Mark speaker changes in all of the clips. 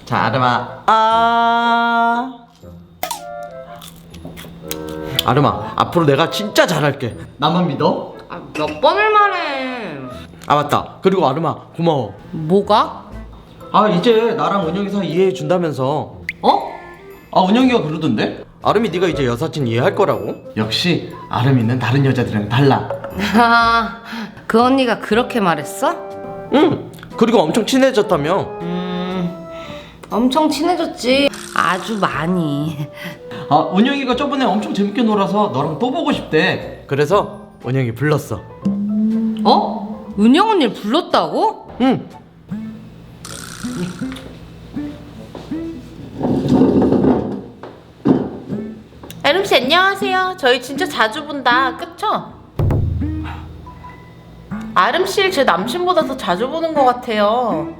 Speaker 1: 자, 아름아. 아름아, 앞으로 내가 진짜 잘할게. 나만 믿어?
Speaker 2: 몇 번을 말해.
Speaker 1: 맞다. 그리고 아름아, 고마워.
Speaker 2: 뭐가?
Speaker 1: 이제 나랑 은영이 사이 이해해 준다면서.
Speaker 2: 어?
Speaker 1: 은영이가 그러던데? 아름이 네가 이제 여사친 이해할 거라고. 역시 아름이는 다른 여자들이랑 달라.
Speaker 2: 그 언니가 그렇게 말했어?
Speaker 1: 응. 그리고 엄청 친해졌다며.
Speaker 2: 엄청 친해졌지. 아주 많이.
Speaker 1: 은영이가 저번에 엄청 재밌게 놀아서 너랑 또 보고 싶대. 그래서 은영이 불렀어.
Speaker 2: 어? 은영 언니를 불렀다고?
Speaker 1: 응.
Speaker 3: 아름씨 안녕하세요. 저희 진짜 자주 본다. 그쵸? 아름씨를 제 남친보다 더 자주 보는 것 같아요.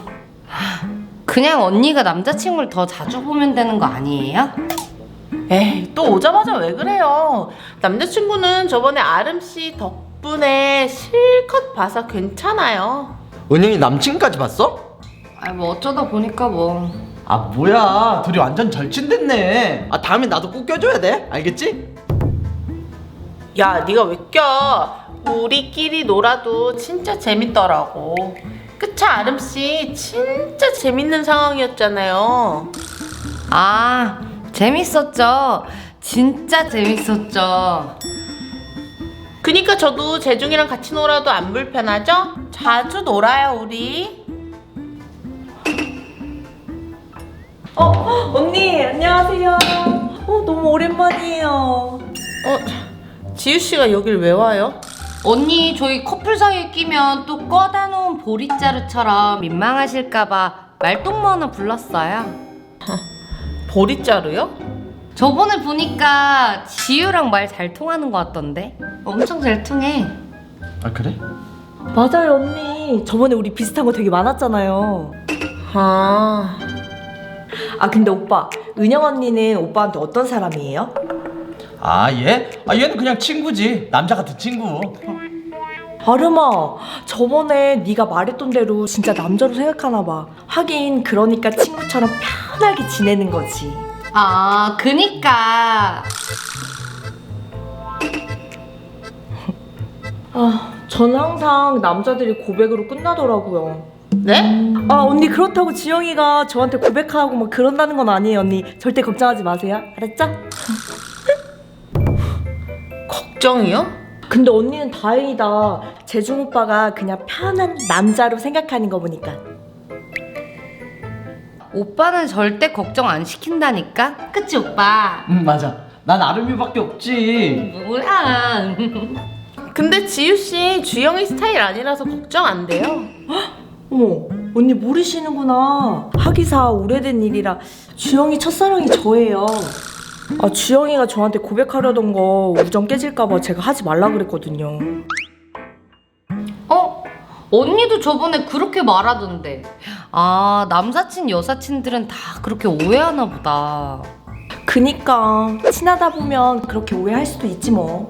Speaker 2: 그냥 언니가 남자친구를 더 자주 보면 되는 거 아니에요?
Speaker 3: 에이, 또 오자마자 왜 그래요? 남자친구는 저번에 아름씨 덕분에 실컷 봐서 괜찮아요.
Speaker 1: 은영이 남친까지 봤어?
Speaker 2: 뭐 어쩌다 보니까 뭐.
Speaker 1: 뭐야, 둘이 완전 절친됐네. 다음에 나도 꼭 껴줘야 돼. 알겠지?
Speaker 3: 야, 네가 왜 껴? 우리끼리 놀아도 진짜 재밌더라고. 그쵸, 아름씨? 진짜 재밌는 상황이었잖아요.
Speaker 2: 재밌었죠. 진짜 재밌었죠.
Speaker 3: 그니까 저도 재중이랑 같이 놀아도 안 불편하죠? 자주 놀아요, 우리.
Speaker 4: 언니 안녕하세요. 너무 오랜만이에요.
Speaker 3: 지우씨가 여길 왜 와요?
Speaker 2: 언니 저희 커플 사이에 끼면 또 꺼다 놓은 보리자루처럼 민망하실까봐 말동무 하나 불렀어요.
Speaker 3: 보리자루요?
Speaker 2: 저번에 보니까 지유랑 말 잘 통하는 것 같던데. 엄청 잘 통해.
Speaker 1: 그래?
Speaker 4: 맞아요 언니. 저번에 우리 비슷한 거 되게 많았잖아요. 근데 오빠, 은영 언니는 오빠한테 어떤 사람이에요?
Speaker 1: 얘는 그냥 친구지. 남자 같은 친구.
Speaker 4: 아름아, 저번에 네가 말했던 대로 진짜 남자로 생각하나 봐. 하긴 그러니까 친구처럼 편하게 지내는 거지.
Speaker 2: 그니까.
Speaker 4: 저는 항상 남자들이 고백으로 끝나더라고요.
Speaker 3: 네?
Speaker 4: 언니 그렇다고 지영이가 저한테 고백하고 막 그런다는 건 아니에요 언니. 절대 걱정하지 마세요. 알았죠?
Speaker 3: 걱정이요?
Speaker 4: 근데 언니는 다행이다. 재중 오빠가 그냥 편한 남자로 생각하는 거 보니까.
Speaker 2: 오빠는 절대 걱정 안 시킨다니까? 그치 오빠?
Speaker 1: 맞아. 난 아름이밖에 없지.
Speaker 2: 뭐야.
Speaker 3: 근데 지우씨 주영이 스타일 아니라서 걱정 안 돼요.
Speaker 4: 어머, 언니 모르시는구나. 하기사 오래된 일이라 주영이 첫사랑이 저예요. 주영이가 저한테 고백하려던 거 우정 깨질까봐 제가 하지 말라 그랬거든요.
Speaker 2: 언니도 저번에 그렇게 말하던데. 남사친 여사친들은 다 그렇게 오해하나 보다.
Speaker 4: 그니까 친하다 보면 그렇게 오해할 수도 있지 뭐.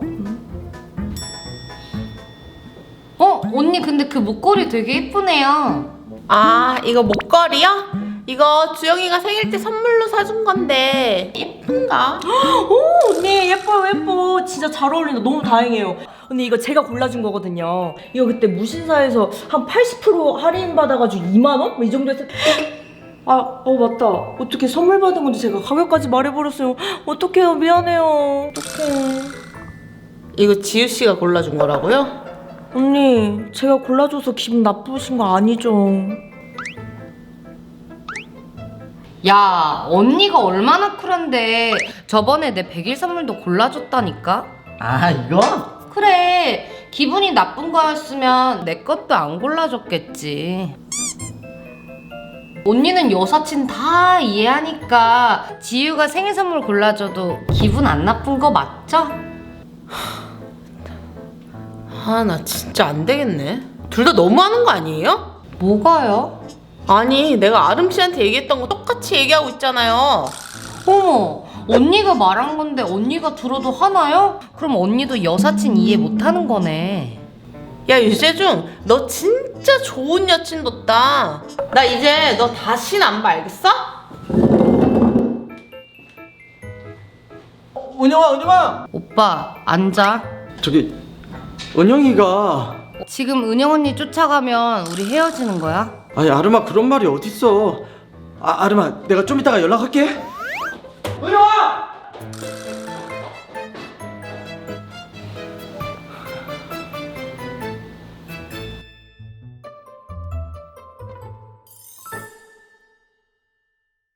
Speaker 2: 언니 근데 그 목걸이 되게 예쁘네요.
Speaker 3: 이거 목걸이요? 이거 주영이가 생일 때 선물로 사준 건데 예쁜가?
Speaker 4: 오 언니 예뻐요 예뻐. 진짜 잘 어울린다. 너무 다행이에요. 언니 이거 제가 골라준 거거든요. 이거 그때 무신사에서 한 80% 할인 받아가지고 2만원? 뭐 이 정도 했을. 맞다. 어떻게 선물 받은 건지 제가 가격까지 말해버렸어요. 어떡해요. 미안해요. 어떡해.
Speaker 3: 이거 지우씨가 골라준 거라고요?
Speaker 4: 언니 제가 골라줘서 기분 나쁘신 거 아니죠?
Speaker 2: 야, 언니가 얼마나 쿨한데 저번에 내 100일 선물도 골라줬다니까?
Speaker 1: 이거?
Speaker 2: 그래, 기분이 나쁜 거였으면 내 것도 안 골라줬겠지. 언니는 여사친 다 이해하니까 지유가 생일 선물 골라줘도 기분 안 나쁜 거 맞죠?
Speaker 3: 나 진짜 안 되겠네. 둘 다 너무하는 거 아니에요?
Speaker 2: 뭐가요?
Speaker 3: 아니, 내가 아름씨한테 얘기했던 거 똑같이 얘기하고 있잖아요.
Speaker 2: 어머, 언니가 말한 건데 언니가 들어도 하나요? 그럼 언니도 여사친 이해 못하는 거네.
Speaker 3: 야, 유재중, 너 진짜 진짜 좋은 여친 뒀다. 나 이제 너 다신 안 봐, 알겠어?
Speaker 1: 은영아
Speaker 2: 오빠 앉아.
Speaker 1: 저기 은영이가
Speaker 2: 지금 은영 언니 쫓아가면 우리 헤어지는 거야?
Speaker 1: 아니 아름아 그런 말이 어딨어. 아름아 내가 좀 이따가 연락할게. 은영아!